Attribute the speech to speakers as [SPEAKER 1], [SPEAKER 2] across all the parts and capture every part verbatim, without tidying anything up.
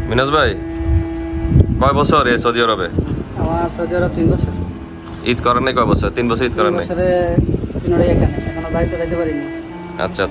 [SPEAKER 1] মিনাজ ভাই, কয় বছর এই সৌদি আরবে?
[SPEAKER 2] আমার সৌদি আরব তিন বছর।
[SPEAKER 1] ঈদ করেন নাই কয় বছর? তিন বছর ঈদ করেন নাই?
[SPEAKER 2] বছরে তিনটাই এখানে, এখনো বাড়িতে যাইতে পারিনি।
[SPEAKER 1] আচ্ছা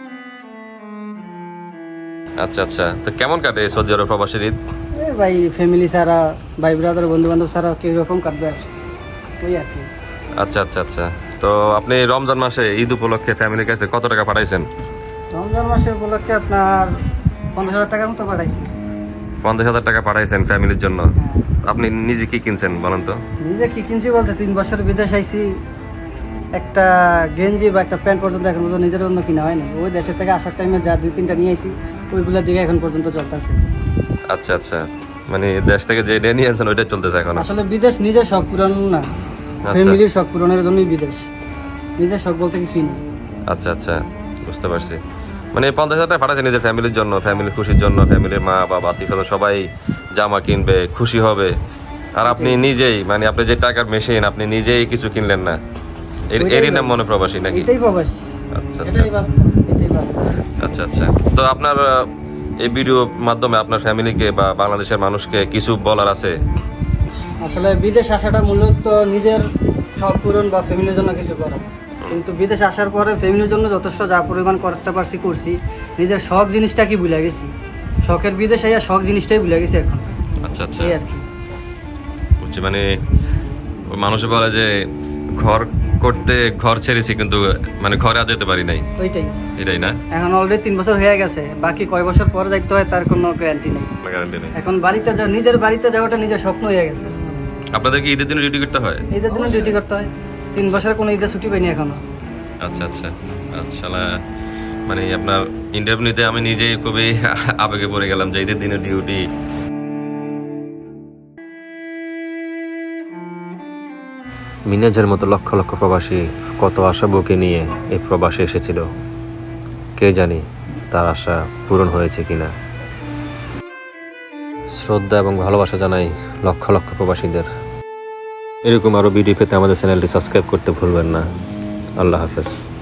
[SPEAKER 1] আচ্ছা আচ্ছা, তো কেমন কাটে এই সৌদি আরব প্রবাসীর ঈদ?
[SPEAKER 2] এই ভাই ফ্যামিলি ছাড়া, ভাই ব্রাদার বন্ধু বান্ধব ছাড়া কেউ রকম কাটবে আর ওই আর কি।
[SPEAKER 1] আচ্ছা আচ্ছা আচ্ছা, তো আপনি রমজান মাসে ঈদ উপলক্ষে ফ্যামিলির কাছে কত টাকা পাঠাইছেন?
[SPEAKER 2] রমজান মাসের উপলক্ষে আপনার পঞ্চাশ হাজার টাকার মতো পাঠাইছি।
[SPEAKER 1] পঞ্চাশ হাজার টাকা পাঠাইছেন ফ্যামিলির জন্য। আপনি নিজে কি কিনছেন বলেন তো?
[SPEAKER 2] নিজে কি কিনছি বলতে, তিন বছর বিদেশ আইছি, একটা গেঞ্জি বা একটা প্যান্ট পর্যন্ত এখন পর্যন্ত নিজের জন্য কিনা হয়নি। ওই দেশের থেকে আসার টাইমে যা দুই তিনটা নিয়ে আইছি, ওইগুলোর দিকে এখন পর্যন্ত চলতেছে।
[SPEAKER 1] আচ্ছা আচ্ছা, মানে দেশ থেকে যে নিয়ে নিয়ে আনছেন ওইটা চলতেছে এখন?
[SPEAKER 2] আসলে বিদেশ নিজের শখ পূরণ না, ফ্যামিলির শখ পূরণের জন্যই বিদেশ, নিজের শখ বলতে কিছুই না।
[SPEAKER 1] আচ্ছা আচ্ছা, বুঝতে পারছি। মানে পঞ্চাশ হাজার টাকা পাঠাচ্ছেন নিজের ফ্যামিলির জন্য, ফ্যামিলির খুশির জন্য, ফ্যামিলির মা বাবা আত্মীয় স্বজন সবাই জামা কিনবে, খুশি হবে। আর আপনি নিজেই, মানে আপনি যে টাকার মেশিন, আপনি নিজেই কিছু কিনলেন না, এর এরই নাম মনে প্রবাসী নাকি?
[SPEAKER 2] এটাই প্রবাসী,
[SPEAKER 1] আচ্ছা আচ্ছা
[SPEAKER 2] এটাই বাস্তব, এটাই বাস্তব।
[SPEAKER 1] আচ্ছা আচ্ছা, তো আপনার আহ, এই ভিডিও মাধ্যমে আপনার ফ্যামিলিকে বা বাংলাদেশের মানুষকে কিছু বলার আছে?
[SPEAKER 2] আসলে বিদেশ আসাটা মূলত নিজের শখ পূরণ বা ফ্যামিলির জন্য কিছু করা, কিন্তু বিদেশ আসার পরে ফ্যামিলির জন্য যথেষ্ট যা পরিমাণ করতে পারছি করছি, নিজের শখ জিনিসটা কি ভুলে গেছি। শখের বিদেশ আইয়া শখ জিনিসটাই ভুলে গেছি এখন।
[SPEAKER 1] আচ্ছা আচ্ছা,
[SPEAKER 2] এই আর কি।
[SPEAKER 1] বুঝছি। মানে মানুষে বলে যে ঘর করতে ঘর ছেড়েছি, কিন্তু মানে ঘরে আর যেতে পারি নাই,
[SPEAKER 2] ওইটাই
[SPEAKER 1] এটাই না?
[SPEAKER 2] এখন অলরেডি তিন বছর হয়ে গেছে, বাকি কয় বছর পরে যাইতে হয় তার কোনো গ্যারান্টি নেই।
[SPEAKER 1] গ্যারান্টি নেই।
[SPEAKER 2] এখন বাড়িতে যা, নিজের বাড়িতে যাওয়াটা নিজের স্বপ্ন হয়ে গেছে।
[SPEAKER 1] আপনাদের কি ঈদের দিনে ডিউটি করতে হয়?
[SPEAKER 2] ঈদের দিনে ডিউটি করতে হয়, তিন বছর কোনো ঈদের ছুটি পাইনি এখনো।
[SPEAKER 1] আচ্ছা আচ্ছা আচ্ছা, মানে আপনার ইন্টারভিউতে আমি নিজেই খুবই আবেগে পড়ে গেলাম যে ঈদের দিনে ডিউটি। মিনাজের মতো লক্ষ লক্ষ প্রবাসী কত আশা বুকে নিয়ে এই প্রবাসে এসেছিল, কে জানি তার আশা পূরণ হয়েছে কিনা। শ্রদ্ধা এবং ভালোবাসা জানাই লক্ষ লক্ষ প্রবাসীদের। এরকম আরও ভিডিও পেতে আমাদের চ্যানেলটি সাবস্ক্রাইব করতে ভুলবেন না। আল্লাহ হাফেজ।